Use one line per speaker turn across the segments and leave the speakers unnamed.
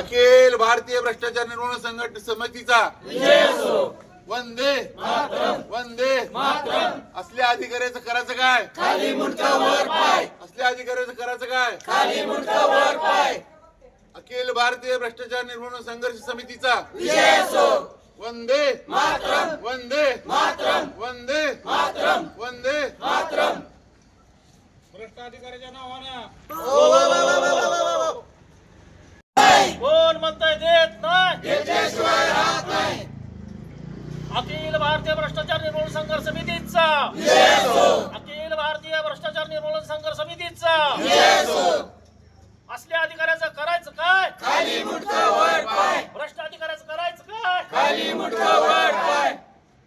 अखिल भारतीय भ्रष्टाचार निर्मूलन संघटना समितीचा वंदे वंदे असल्या अधिकाऱ्याचं करायचं काय? खाली मुंडका वर पाय. असल्या अधिकाऱ्याचं करायचं काय? खाली मुंडका वर पाय. अखिल भारतीय भ्रष्टाचार निर्मूलन संघर्ष समितीचा वंदे वंदे वंदे वंदे
भ्रष्ट अधिकाऱ्याच्या नावानं
हो.
कोण म्हणताय देत नाही.
घेतल्याशिवाय राहत नाही.
अखिल भारतीय भ्रष्टाचार निर्मूलन संघर्ष समितीचा अखिल भारतीय भ्रष्टाचार निर्मूलन संघर्ष समितीचा असल्या अधिकाऱ्याचं करायचं काय?
खाली मुंडका वर पाय.
भ्रष्ट अधिकाऱ्याचं करायचं काय?
खाली मुंडका वर पाय.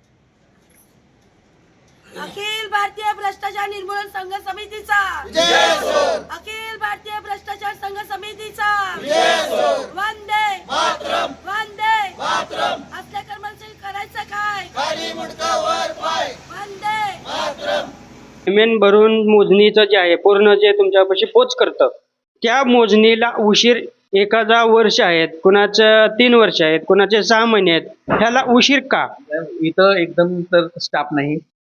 अखिल भारतीय भ्रष्टाचार निर्मूलन संघ समितीचा अखिल भारतीय भ्रष्टाचार संघ समितीचा वंदे वंदे असल्या कर्मचारी करायचं काय?
खाली मुंडका वर पाय.
वंदे
पेमेंट भरून मोजणीचं जे आहे पूर्ण जे तुमच्यापाशी पोच करतं त्या मोजणीला उशीर एखादा वर्ष आहेत, कुणाचं 3 वर्ष आहेत, कुणाचे 6 महिने आहेत, ह्याला उशीर का?
इथं एकदम तर स्टाफ नाही,